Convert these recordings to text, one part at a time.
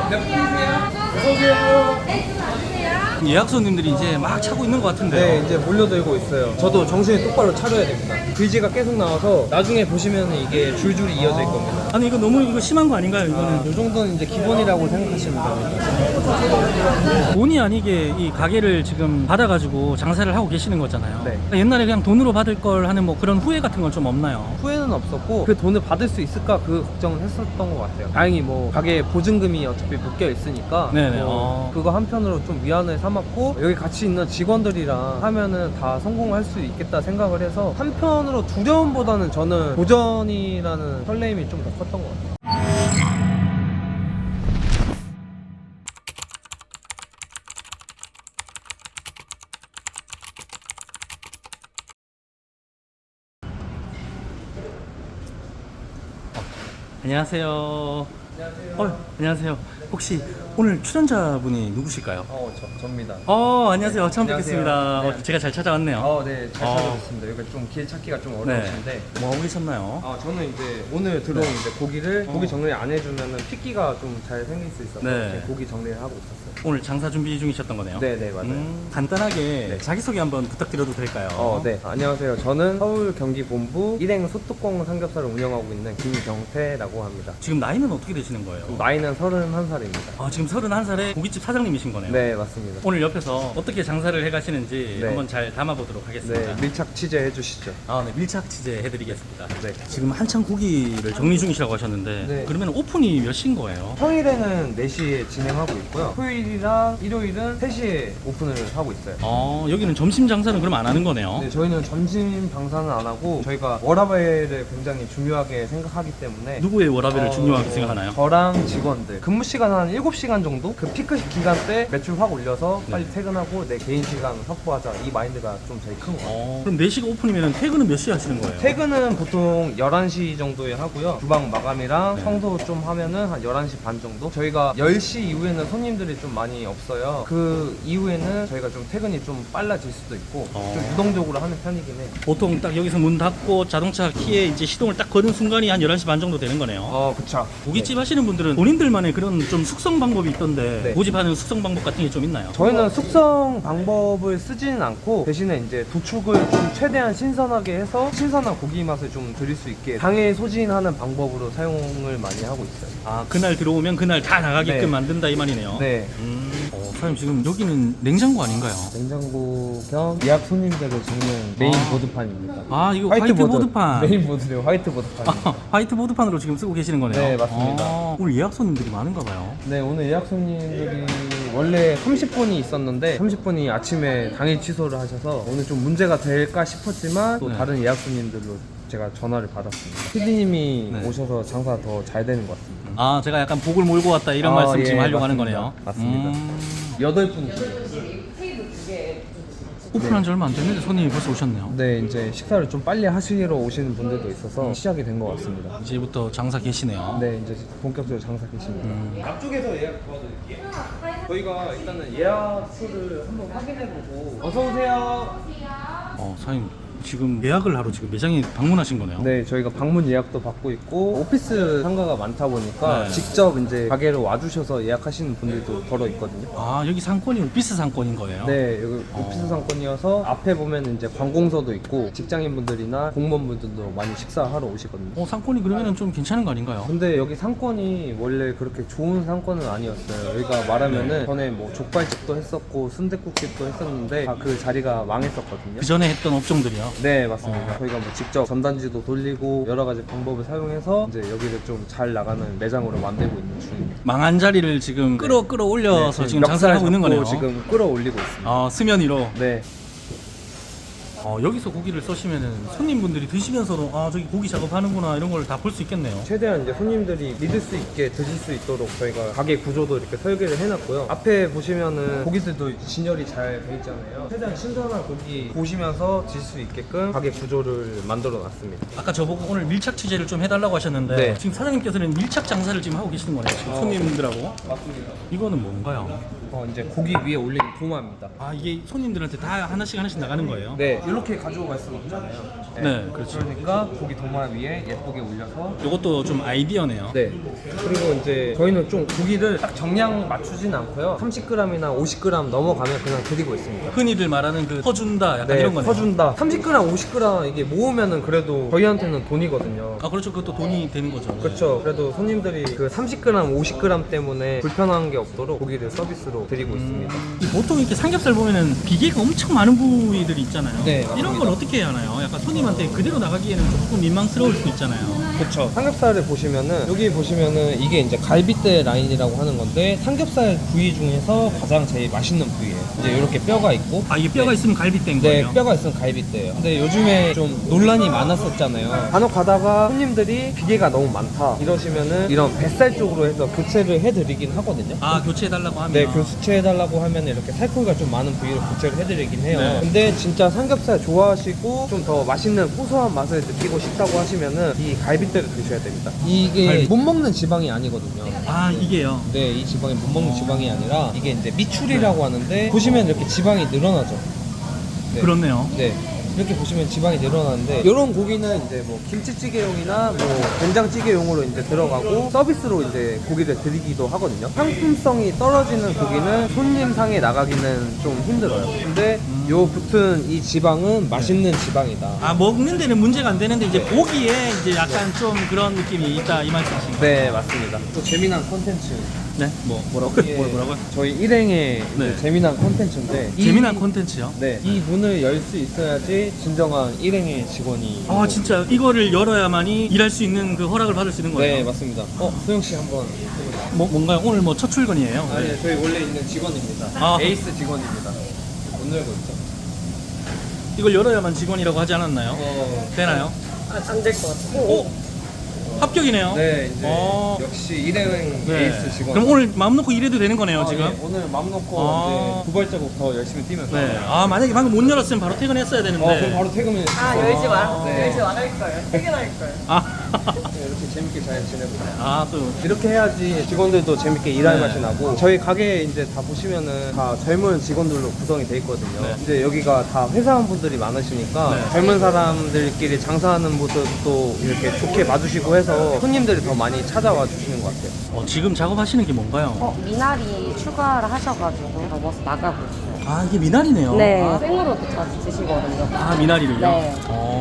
예약 손님들이 이제 막 차고 있는 것 같은데요. 네, 이제 몰려들고 있어요. 저도 정신이 똑바로 차려야 됩니다. 글씨가 계속 나와서 나중에 보시면 이게 줄줄이 이어질 겁니다. 아니 이거 너무 이거 심한 거 아닌가요? 이거는 이 정도는 이제 기본이라고 생각하시면 됩니다. 본의 아니게 이 가게를 지금 받아가지고 장사를 하고 계시는 거잖아요. 네. 그러니까 옛날에 그냥 돈으로 받을 걸 하는 뭐 그런 후회 같은 건 좀 없나요? 후회는 없었고 그 돈을 받을 수 있을까 그 걱정은 했었던 것 같아요. 다행히 뭐 가게 보증금이 어차피 묶여 있으니까 네네. 그거 한편으로 좀 위안을 삼았고 여기 같이 있는 직원들이랑 하면은 다 성공할 수 있겠다 생각을 해서 한편으로 두려움보다는 저는 도전이라는 설레임이 좀 더 컸던 것 같아요. 안녕하세요. 안녕하세요. 안녕하세요. 혹시 오늘 출연자분이 누구실까요? 접니다. 안녕하세요. 처음 안녕하세요. 뵙겠습니다. 네. 제가 잘 찾아왔네요. 네, 잘 찾아뵙습니다. 여기 좀 길 찾기가 좀 어려우신데. 뭐 하고 계셨나요? 저는 이제 오늘 들어온 이제 고기를 고기 정리 안 해주면은 핏기가 좀 잘 생길 수 있어서 네. 이제 고기 정리를 하고 있었어요. 오늘 장사 준비 중이셨던 거네요. 네, 맞아요. 간단하게 자기소개 한번 부탁드려도 될까요? 네. 안녕하세요. 저는 서울 경기 본부 일행 소뚜껑 삼겹살을 운영하고 있는 김경태라고 합니다. 지금 나이는 어떻게 되시는 거예요? 나이는 31살입니다. 지금 31살에 고깃집 사장님이신 거네요. 네, 맞습니다. 오늘 옆에서 어떻게 장사를 해가시는지 네. 한번 잘 담아보도록 하겠습니다. 네, 밀착 취재해 주시죠. 네, 밀착 취재 해드리겠습니다. 네. 지금 한창 고기를 정리 중이시라고 하셨는데 네. 그러면 오픈이 몇 시인 거예요? 평일에는 4시에 진행하고 있고요. 토요일이랑 일요일은 3시에 오픈을 하고 있어요. 여기는 점심 장사는 그럼 안 하는 거네요? 네, 저희는 점심 방사는 안 하고 저희가 워라밸을 굉장히 중요하게 생각하기 때문에 누구의 워라밸을 중요하게 생각하나요? 저랑 직원들 근무 시간 한 7시간 정도? 그 피크 기간 때 매출 확 올려서 빨리 네. 퇴근하고 내 개인 시간 확보하자 이 마인드가 좀 제일 큰 것 같아요. 그럼 4시가 오픈이면 퇴근은 몇 시에 하시는 거예요? 퇴근은 보통 11시 정도에 하고요. 주방 마감이랑 네. 청소 좀 하면은 한 11시 반 정도? 저희가 10시 이후에는 손님들이 좀 많이 없어요. 그 이후에는 저희가 좀 퇴근이 좀 빨라질 수도 있고 좀 유동적으로 하는 편이긴 해요. 보통 딱 여기서 문 닫고 자동차 키에 이제 시동을 딱 거는 순간이 한 11시 반 정도 되는 거네요. 그쵸. 고깃집 하시는 분들은 본인들만의 그런 좀 숙성 방법이 있던데 네. 고집하는 숙성 방법 같은 게 좀 있나요? 저희는 숙성 방법을 쓰지는 않고 대신에 이제 도축을 좀 최대한 신선하게 해서 신선한 고기 맛을 좀 드릴 수 있게 당일 소진하는 방법으로 사용을 많이 하고 있어요. 그날 들어오면 그날 다 나가게끔 네. 만든다 이 말이네요. 네. 사장님 지금 여기는 냉장고 아닌가요? 냉장고 겸 예약 손님들을 적는 메인 보드판입니다. 이거 화이트보드판. 메인 보드래요. 화이트보드판. 화이트보드판으로 지금 쓰고 계시는 거네요. 네, 맞습니다. 오늘 예약 손님들이 많은가 봐요. 네, 오늘 예약 손님들이 원래 30분이 있었는데 30분이 아침에 당일 취소를 하셔서 오늘 좀 문제가 될까 싶었지만 또 네. 다른 예약 손님들로 제가 전화를 받았습니다. PD님이 네. 오셔서 장사가 더 잘 되는 것 같습니다. 제가 약간 복을 몰고 왔다 이런 말씀 예, 지금 하려고 하는 맞습니다. 거네요. 맞습니다. 8분이시죠. 오픈한 지 얼마 안 됐는데 손님이 벌써 오셨네요. 네, 이제 식사를 좀 빨리 하시러 오시는 분들도 있어서 시작이 된 것 같습니다. 이제부터 장사 계시네요. 네, 이제 본격적으로 장사 계십니다. 앞쪽에서 예약 도와드릴게요. 저희가 일단은 예약수를 한번 확인해보고 어서 오세요. 사장님 지금 예약을 하러 지금 매장에 방문하신 거네요. 네, 저희가 방문 예약도 받고 있고 오피스 상가가 많다 보니까 네. 직접 이제 가게를 와주셔서 예약하시는 분들도 걸어 있거든요. 여기 상권이 오피스 상권인 거예요? 네, 여기 오피스 상권이어서 앞에 보면 이제 관공서도 있고 직장인분들이나 공무원분들도 많이 식사하러 오시거든요. 상권이 그러면 좀 괜찮은 거 아닌가요? 근데 여기 상권이 원래 그렇게 좋은 상권은 아니었어요. 여기가 말하면은 전에 뭐 족발집도 했었고 순댓국집도 했었는데 다 그 자리가 망했었거든요. 그 전에 했던 업종들이요? 네, 맞습니다. 저희가 뭐 직접 전단지도 돌리고 여러 가지 방법을 사용해서 이제 여기를 좀 잘 나가는 매장으로 만들고 있는 중입니다. 망한 자리를 지금 끌어올려서 네, 지금 장사를 하고 있는 거네요. 지금 끌어올리고 있습니다. 수면 위로. 네. 여기서 고기를 써시면은 손님분들이 드시면서도 저기 고기 작업하는구나 이런 걸 다 볼 수 있겠네요. 최대한 이제 손님들이 믿을 수 있게 드실 수 있도록 저희가 가게 구조도 이렇게 설계를 해놨고요. 앞에 보시면은 고기들도 진열이 잘 돼 있잖아요. 최대한 신선한 고기 보시면서 드실 수 있게끔 가게 구조를 만들어 놨습니다. 아까 저보고 오늘 밀착 취재를 좀 해달라고 하셨는데 네. 지금 사장님께서는 밀착 장사를 지금 하고 계시는 거네요. 지금 손님들하고. 맞습니다. 이거는 뭔가요? 이제 고기 위에 올린 도마입니다. 이게 손님들한테 다 하나씩 나가는 거예요? 네, 이렇게 가지고 갈 수는 없잖아요. 네, 그렇죠. 그러니까 고기 도마 위에 예쁘게 올려서. 이것도 좀 아이디어네요. 네. 그리고 이제 저희는 좀 고기를 딱 정량 맞추진 않고요. 30g이나 50g 넘어가면 그냥 드리고 있습니다. 흔히들 말하는 그 퍼준다 약간 네, 이런 거네요. 퍼준다. 30g, 50g 이게 모으면은 그래도 저희한테는 돈이거든요. 아 그렇죠. 그것도 돈이 되는 거죠. 네. 그렇죠. 그래도 손님들이 그 30g, 50g 때문에 불편한 게 없도록 고기를 서비스로 드리고 있습니다. 보통 이렇게 삼겹살 보면은 비계가 엄청 많은 부위들이 있잖아요. 네, 이런 맞습니다. 걸 어떻게 해야 하나요? 약간 손님한테 그대로 나가기에는 조금 민망스러울 수 있잖아요. 그렇죠. 삼겹살을 보시면은 여기 보시면은 이게 이제 갈비뼈 라인이라고 하는 건데 삼겹살 부위 중에서 가장 제일 맛있는 부위예요. 이제 이렇게 뼈가 있고. 아 이게 뼈가 있으면 갈비뼈인 네, 거예요? 뼈가 있으면 갈비뼈예요. 근데 요즘에 좀 논란이 많았었잖아요. 간혹 가다가 손님들이 비계가 너무 많다 이러시면은 이런 뱃살 쪽으로 해서 교체를 해드리긴 하거든요. 아 교체해달라고 하면 네, 교체해달라고 하면 이렇게 살코기가 좀 많은 부위를 교체를 해드리긴 해요. 네. 근데 진짜 삼겹살 좋아하시고 좀 더 맛있는 고소한 맛을 느끼고 싶다고 하시면은 이 갈비뼈를 드셔야 됩니다. 이게 갈비. 못 먹는 지방이 아니거든요. 아 이게요? 네, 이 지방이 못 먹는 지방이 아니라 이게 이제 미출이라고 하는데 보시면 이렇게 지방이 늘어나죠. 네. 그렇네요. 네. 이렇게 보시면 지방이 늘어나는데 이런 고기는 이제 뭐 김치찌개용이나 뭐 된장찌개용으로 이제 들어가고 서비스로 이제 고기를 드리기도 하거든요. 상품성이 떨어지는 고기는 손님상에 나가기는 좀 힘들어요. 근데 요 붙은 이 지방은 맛있는 지방이다. 아 먹는 데는 문제가 안 되는데 이제 보기에 이제 약간 좀 그런 느낌이 있다 이 말씀이신가요? 네, 맞습니다. 또 재미난 컨텐츠. 네? 뭐라고? 이게 뭐라고요? 저희 일행의 네. 재미난 컨텐츠인데 재미난 콘텐츠요? 네, 이 문을 열 수 있어야지 진정한 일행의 직원이. 아 진짜 이거를 열어야만이 일할 수 있는 그 허락을 받을 수 있는 거예요? 네, 맞습니다. 소영 씨 한번. 뭔가요? 오늘 뭐 첫 출근이에요? 아니, 저희 원래 있는 직원입니다. 아. 에이스 직원입니다. 못 열고 있죠. 이걸 열어야만 직원이라고 하지 않았나요? 되나요? 안 될 것 같아요. 오! 합격이네요. 네, 이제 어. 역시 일행 네. 에이스 직원. 그럼 오늘 마음 놓고 일해도 되는 거네요, 지금? 네, 오늘 마음 놓고 아. 이제 두 발자국 더 열심히 뛰면서. 네. 아, 만약에 방금 못 열었으면 바로 퇴근했어야 되는데. 그럼 바로 퇴근을. 열지 마. 네. 열지 말할 거예요. 퇴근할 거예요. 아, 네, 이렇게 재밌게 잘 지내보자. 아, 또. 이렇게 해야지 직원들도 재밌게 일할 네. 맛이 나고 저희 가게 이제 다 보시면은 다 젊은 직원들로 구성이 돼 있거든요. 네. 이제 여기가 다 회사원분들이 많으시니까 네. 젊은 사람들끼리 장사하는 모습도 이렇게 좋게 봐주시고 해서 손님들이 더 많이 찾아와 주시는 것 같아요. 지금 작업하시는 게 뭔가요? 미나리 추가를 하셔가지고 접어서 나가고 있어요. 아, 이게 미나리네요. 네. 아, 생으로도 자주 드시거든요. 미나리를요? 네.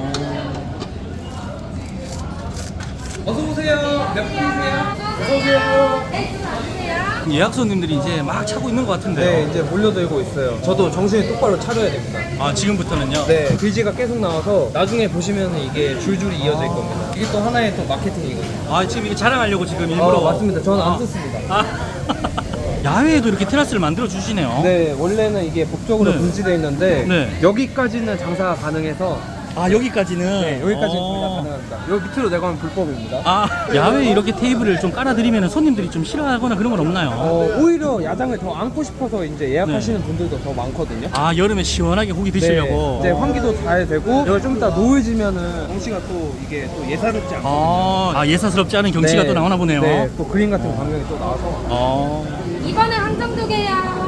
어서 오세요. 몇 분이세요? 어서 오세요. 예약 손님들이 이제 막 차고 있는 것 같은데요. 네, 이제 몰려들고 있어요. 저도 정신이 똑바로 차려야 됩니다. 아, 지금부터는요? 네, 글씨가 계속 나와서 나중에 보시면 이게 줄줄이 이어져 있겁니다. 이게 또 하나의 또 마케팅이거든요. 아, 지금 이게 자랑하려고 지금 일부러. 맞습니다. 저는 안 아. 썼습니다. 아. 야외에도 이렇게 테라스를 만들어 주시네요. 네, 원래는 이게 법적으로 네. 금지되어 있는데 네. 여기까지는 장사가 가능해서 아, 여기까지는? 네, 여기까지는 장사가 가능합니다. 여기 밑으로 내가면 불법입니다. 아, 야외에 이렇게 테이블을 좀 깔아드리면 손님들이 좀 싫어하거나 그런 건 없나요? 오히려 야장을 더 안고 싶어서 이제 예약하시는 분들도 더 많거든요. 아, 여름에 시원하게 고기 드시려고? 네, 이제 환기도 잘 되고 여기 좀 이따 노을지면은 경치가 또 이게 또 예사롭지 않거든요. 예사스럽지 않은 경치가 또 나오나 보네요. 네, 또 그림 같은 광경이 또 나와서. 이번에 한정 두 개요.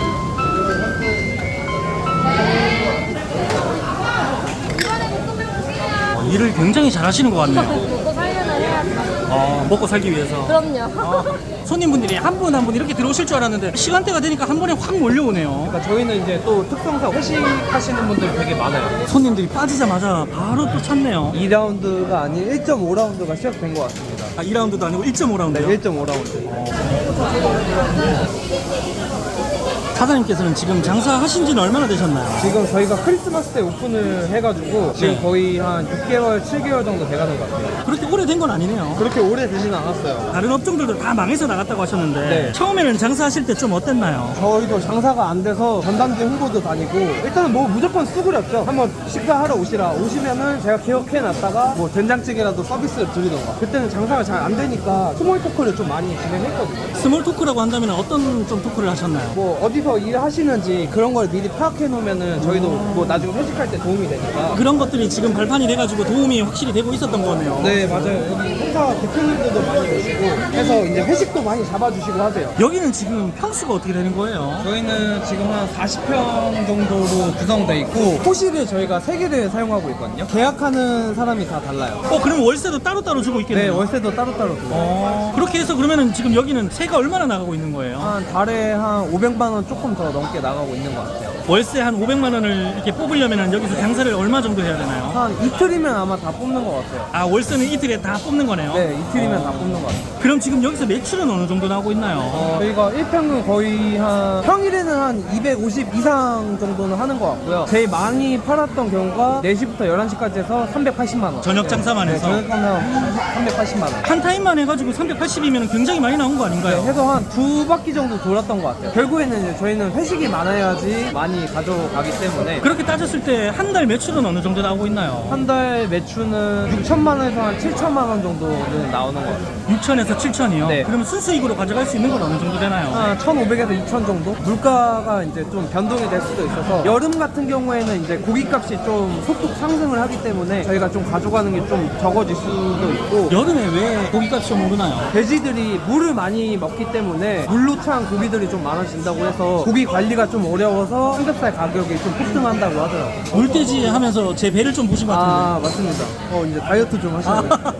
이번에 볶음면 주세요. 일을 굉장히 잘 하시는 것 같네요. 먹고 살려면 해야죠. 먹고 살기 위해서. 그럼요. 손님분들이 한 분 한 분 이렇게 들어오실 줄 알았는데 시간대가 되니까 한 번에 확 몰려오네요. 그러니까 저희는 이제 또 특성상 회식하시는 분들 되게 많아요. 손님들이 빠지자마자 바로 또 찾네요. 2라운드가 아닌 1.5라운드가 시작된 것 같습니다. 2라운드도 아니고 1.5라운드요? 네, 1.5라운드. 사장님께서는 지금 장사하신 지는 얼마나 되셨나요? 지금 저희가 크리스마스 때 오픈을 해가지고 지금 네. 거의 한 6개월, 7개월 정도 돼가는 것 같아요. 그렇게 오래된 건 아니네요. 그렇게 오래 되지는 않았어요. 다른 업종들도 다 망해서 나갔다고 하셨는데 네. 처음에는 장사하실 때 좀 어땠나요? 저희도 장사가 안 돼서 전단지 홍보도 다니고 일단은 뭐 무조건 수그렸죠. 한번 식사하러 오시면은 제가 기억해놨다가 뭐 된장찌개라도 서비스를 드리던가. 그때는 장사가 잘 안 되니까 스몰 토크를 좀 많이 진행했거든요. 스몰 토크라고 한다면 어떤 좀 토크를 하셨나요? 뭐 어디서 일하시는지 그런 걸 미리 파악해 놓으면은 저희도 뭐 나중에 회식할 때 도움이 되니까. 그런 것들이 지금 발판이 돼가지고 도움이 확실히 되고 있었던 거네요. 네, 맞아요. 여기 회사 대표님들도 많이 오시고 해서 이제 회식도 많이 잡아주시고 하세요. 여기는 지금 평수가 어떻게 되는 거예요? 저희는 지금 한 40평 정도로 구성되어 있고 호실을 저희가 3개를 사용하고 있거든요. 계약하는 사람이 다 달라요. 그럼 월세도 따로따로 주고 네, 있겠네요. 월세도 따로따로 들어요. 그렇게 해서 그러면은 지금 여기는 세가 얼마나 나가고 있는 거예요? 한 달에 한 500만 원 조금 더 넘게 나가고 있는 것 같아요. 월세 한 500만 원을 이렇게 뽑으려면은 여기서 장사를 얼마 정도 해야 되나요? 한 이틀이면 아마 다 뽑는 것 같아요. 아, 월세는 이틀에 다 뽑는 거네요? 네, 이틀이면 다 뽑는 것 같아요. 그럼 지금 여기서 매출은 어느 정도 나오고 있나요? 저희가 1평은 거의 한 평일에는 한 250 이상 정도는 하는 것 같고요. 제일 많이 팔았던 경우가 4시부터 11시까지 해서 380만 원. 저녁 장사만 해서? 네, 저녁 장사만 380만 원. 한 타임만 해가지고 380이면 굉장히 많이 나온 거 아닌가요? 네, 해서 한 2바퀴 정도 돌았던 것 같아요. 결국에는 이제 저희는 회식이 많아야지 많이 가져가기 때문에 그렇게 따졌을 때 한 달 매출은 어느 정도 나오고 있나요? 한 달 매출은 6천만 원에서 한 7천만 원 정도는 나오는 것 같아요. 6천에서 7천이요? 네. 그러면 순수익으로 가져갈 수 있는 건 어느 정도 되나요? 한 1,500에서 2천 정도? 물가가 이제 좀 변동이 될 수도 있어서 여름 같은 경우에는 이제 고기값이 좀 소폭 상승을 하기 때문에 저희가 좀 가져가는 게 좀 적어질 수도 있고 여름에 왜 고기값이 좀 오르나요? 돼지들이 물을 많이 먹기 때문에 물로 찬 고기들이 좀 많아진다고 해서 고기 관리가 좀 어려워서 삼겹살 가격이 좀 폭등한다고 하더라고요. 물돼지 하면서 제 배를 좀 보신 것 같은데. 아 맞습니다. 이제 다이어트 좀 하시는 거예요.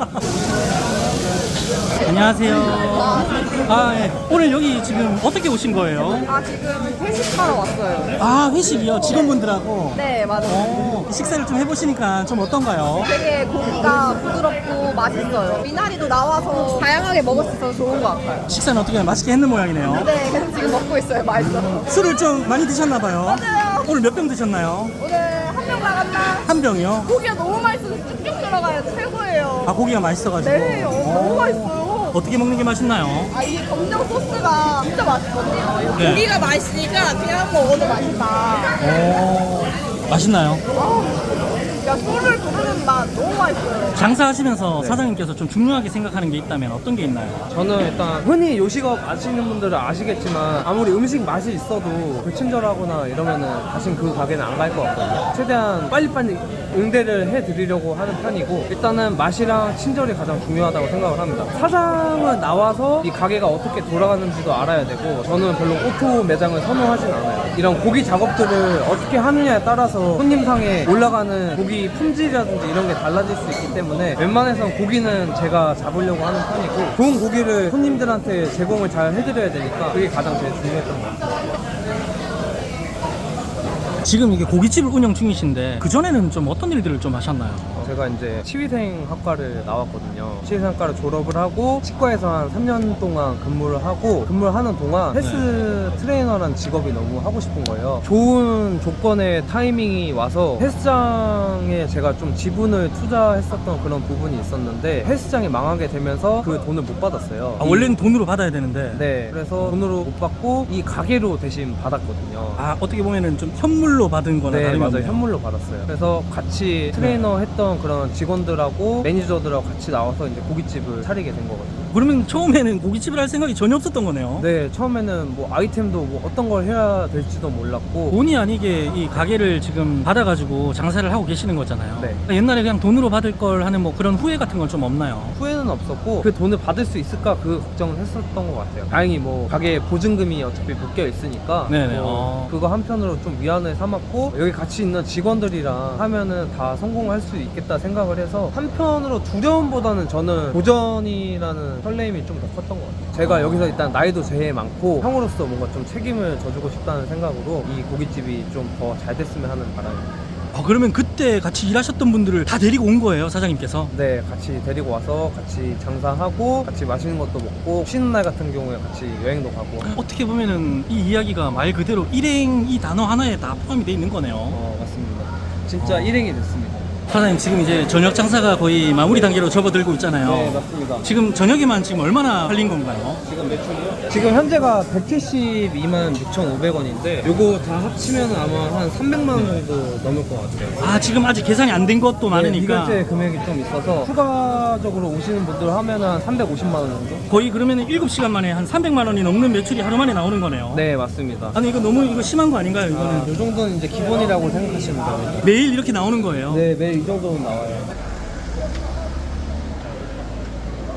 안녕하세요. 예. 오늘 여기 지금 어떻게 오신 거예요? 지금 회식하러 왔어요. 아, 회식이요? 직원분들하고? 네, 맞아요. 식사를 좀 해보시니까 좀 어떤가요? 되게 고기가 부드럽고 맛있어요. 미나리도 나와서 다양하게 먹을 수 있어서 좋은 것 같아요. 식사는 어떻게 맛있게 했는 모양이네요. 네, 그래서 지금 먹고 있어요. 맛있어. 술을 좀 많이 드셨나봐요. 맞아요. 오늘 몇 병 드셨나요? 오늘 한 명 나갔나? 한 병이요? 고기가 너무 맛있어서 쭉쭉 들어가요. 최고예요. 아, 고기가 맛있어가지고. 네, 너무 맛있어요. 어떻게 먹는 게 맛있나요? 이게 검정 소스가 진짜 맛있거든요. 네. 고기가 맛있으니까 그냥 먹어도 맛있다. 맛있나요? 야, 술을 부르는 맛 너무 맛있어요. 장사하시면서 사장님께서 좀 중요하게 생각하는 게 있다면 어떤 게 있나요? 저는 일단 흔히 요식업 아시는 분들은 아시겠지만 아무리 음식 맛이 있어도 불친절하거나 이러면은 다신 그 가게는 안 갈 것 같거든요. 최대한 빨리빨리 응대를 해드리려고 하는 편이고 일단은 맛이랑 친절이 가장 중요하다고 생각을 합니다. 사장은 나와서 이 가게가 어떻게 돌아가는지도 알아야 되고 저는 별로 오토 매장을 선호하진 않아요. 이런 고기 작업들을 어떻게 하느냐에 따라서 손님상에 올라가는 고기 품질이라든지 이런 게 달라질 수 있기 때문에 웬만해선 고기는 제가 잡으려고 하는 편이고 좋은 고기를 손님들한테 제공을 잘 해드려야 되니까 그게 가장 제일 중요했던 것 같아요. 지금 이게 고깃집을 운영 중이신데 그전에는 좀 어떤 일들을 좀 하셨나요? 제가 이제 치위생 학과를 나왔거든요. 치위생 학과를 졸업을 하고 치과에서 한 3년 동안 근무를 하고 근무를 하는 동안 헬스 트레이너라는 직업이 너무 하고 싶은 거예요. 좋은 조건의 타이밍이 와서 헬스장에 제가 좀 지분을 투자했었던 그런 부분이 있었는데 헬스장이 망하게 되면서 그 돈을 못 받았어요. 아, 원래는 돈으로 받아야 되는데. 네, 그래서 돈으로 못 받고 이 가게로 대신 받았거든요. 아, 어떻게 보면은 좀 현물로 받은 거나 네, 다름이 맞아요. 없네요. 현물로 받았어요. 그래서 같이 트레이너 했던 그런 직원들하고 매니저들하고 같이 나와서 이제 고깃집을 차리게 된 거거든요. 그러면 처음에는 고깃집을 할 생각이 전혀 없었던 거네요. 네, 처음에는 뭐 아이템도 뭐 어떤 걸 해야 될지도 몰랐고 본의 아니게 이 가게를 지금 받아가지고 장사를 하고 계시는 거잖아요. 네. 그러니까 옛날에 그냥 돈으로 받을 걸 하는 뭐 그런 후회 같은 건 좀 없나요? 후회는 없었고 그 돈을 받을 수 있을까 그 걱정을 했었던 것 같아요. 다행히 뭐 가게 보증금이 어차피 묶여 있으니까 네네. 그거 한편으로 좀 위안을 삼았고 여기 같이 있는 직원들이랑 하면은 다 성공할 수 있겠다 생각을 해서 한편으로 두려움보다는 저는 도전이라는 설레임이 좀 더 컸던 것 같아요. 제가 여기서 일단 나이도 제일 많고 형으로서 뭔가 좀 책임을 져주고 싶다는 생각으로 이 고깃집이 좀 더 잘 됐으면 하는 바람입니다. 그러면 그때 같이 일하셨던 분들을 다 데리고 온 거예요, 사장님께서? 네, 같이 데리고 와서 같이 장사하고 같이 맛있는 것도 먹고 쉬는 날 같은 경우에 같이 여행도 가고. 어떻게 보면은 이 이야기가 말 그대로 일행 이 단어 하나에 다 포함이 돼 있는 거네요. 맞습니다. 진짜 일행이 됐습니다. 사장님 지금 이제 저녁 장사가 거의 마무리 단계로 접어들고 있잖아요. 네, 맞습니다. 지금 저녁에만 지금 얼마나 팔린 건가요? 지금 매출이요? 지금 현재가 172만 6,500원인데 요거 다 합치면 아마 한 300만 원 정도 넘을 것 같아요. 아, 지금 아직 계산이 안 된 것도 많으니까 미결제 금액이 좀 있어서 추가적으로 오시는 분들 하면 한 350만 원 정도? 거의 그러면 7시간 만에 한 300만 원이 넘는 매출이 하루 만에 나오는 거네요. 네, 맞습니다. 아니 이거 너무 이거 심한 거 아닌가요, 이거는? 요 정도는 이제 기본이라고 생각하시면 됩니다. 매일 이렇게 나오는 거예요. 네, 매일 이 정도는 나와요.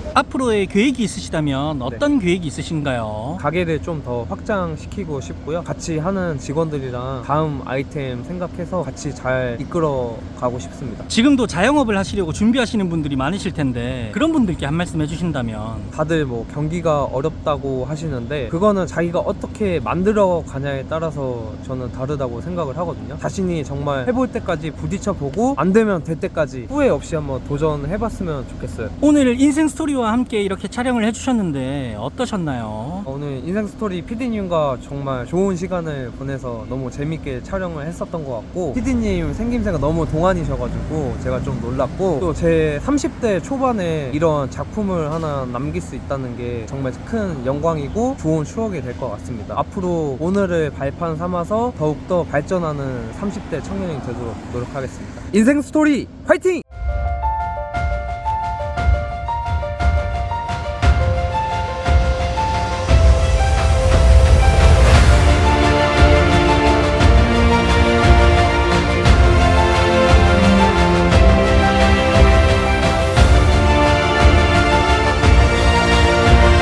앞으로의 계획이 있으시다면 어떤 계획이 있으신가요? 가게를 좀 더 확장시키고 싶고요. 같이 하는 직원들이랑 다음 아이템 생각해서 같이 잘 이끌어 가고 싶습니다. 지금도 자영업을 하시려고 준비하시는 분들이 많으실 텐데 그런 분들께 한 말씀 해주신다면. 다들 뭐 경기가 어렵다고 하시는데 그거는 자기가 어떻게 만들어 가냐에 따라서 저는 다르다고 생각을 하거든요. 자신이 정말 해볼 때까지 부딪혀 보고 안 되면 될 때까지 후회 없이 한번 도전해봤으면 좋겠어요. 오늘 인생 스토리와 함께 이렇게 촬영을 해주셨는데 어떠셨나요? 오늘 인생스토리 PD님과 정말 좋은 시간을 보내서 너무 재밌게 촬영을 했었던 것 같고, PD님 생김새가 너무 동안이셔가지고 제가 좀 놀랐고, 또 제 30대 초반에 이런 작품을 하나 남길 수 있다는 게 정말 큰 영광이고 좋은 추억이 될 것 같습니다. 앞으로 오늘을 발판 삼아서 더욱더 발전하는 30대 청년이 되도록 노력하겠습니다. 인생스토리 화이팅!